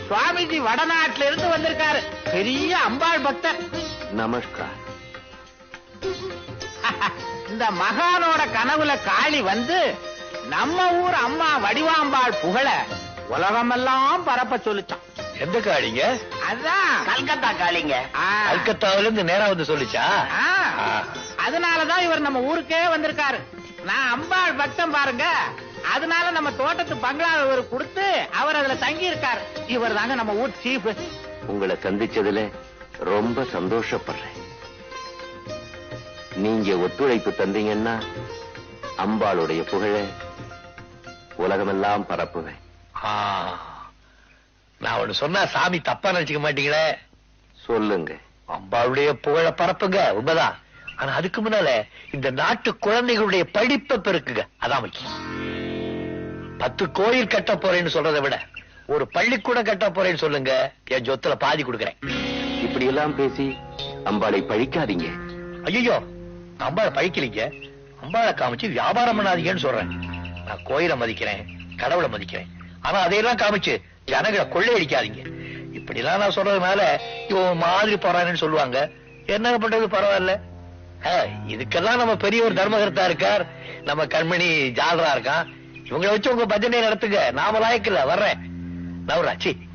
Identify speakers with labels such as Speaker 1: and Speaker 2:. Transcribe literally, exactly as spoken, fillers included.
Speaker 1: சுவாமிஜி வடநாட்டுல இருந்து வந்திருக்காரு. பெரிய அம்பாள் பக்தர்.
Speaker 2: நமஸ்கார்.
Speaker 1: இந்த மகானோட கனவுல காளி வந்து நம்ம ஊர் அம்மா வடிவாம்பாள் புகழ உலகமெல்லாம் பரப்ப சொல்லிச்சான்.
Speaker 3: எந்த காளிங்க?
Speaker 1: அதான்
Speaker 4: கல்கத்தா காளிங்க.
Speaker 3: கல்கத்தாவில இருந்து நேரா வந்து சொல்லிச்சா?
Speaker 1: அதனாலதான் இவர் நம்ம ஊருக்கே வந்திருக்காரு. நான் அம்பாள் பக்தம் பாருங்க. அதனால நம்ம தோட்டத்து பங்களா இவர் கொடுத்து அவர் அதுல தங்கி இருக்காரு. இவர் தாங்க நம்ம ஊர் சீஃப்.
Speaker 2: உங்களை சந்திச்சதுல ரொம்ப சந்தோஷப்படுறேன். நீங்க ஒத்துழைப்பு தந்தீங்கன்னா அம்பாளுடைய புகழ உலகமெல்லாம் பரப்புவேன்.
Speaker 3: நான் ஒண்ணு சொன்னா சாமி தப்பா நினைச்சுக்க மாட்டீங்களே?
Speaker 2: சொல்லுங்க.
Speaker 3: அம்பாளுடைய புகழ பரப்புங்க, உண்மைதான். ஆனா அதுக்கு முன்னால இந்த நாட்டு குழந்தைகளுடைய படிப்பை பெருக்குங்க, அதான் முக்கியம். பத்து கோயில் கட்ட போறேன்னு சொல்றதை விட ஒரு பள்ளிக்கூடம் கட்ட போறேன்னு சொல்லுங்க, என் சொத்துல பாதி கொடுக்கறேன்.
Speaker 2: இப்படி எல்லாம் பேசி அம்பாளை பழிக்காதீங்க.
Speaker 3: ஐயோ, அம்பாளை பழிக்கலீங்க, அம்பாளை காமிச்சு வியாபாரம் பண்ணாதீங்கன்னு சொல்றேன். நான் கோயிலை மதிக்கிறேன், கடவுளை மதிக்கிறேன். ஆனா அதையெல்லாம் காமிச்சு ஜனங்களை கொள்ளையடிக்காதீங்க. இப்படி எல்லாம் நான் சொல்றதுனால இவன் மாதிரி போறான்னு சொல்லுவாங்க. என்ன பண்றது, பரவாயில்ல. இதுக்கெல்லாம் நம்ம பெரிய ஒரு தர்மகர்த்தா இருக்கார், நம்ம கண்மணி ஜாலரா இருக்கான். இவங்களை வச்சு உங்க பஜனை நடத்துங்க, நாம லாயக்கில்ல. வர்றேன் நவராச்சி.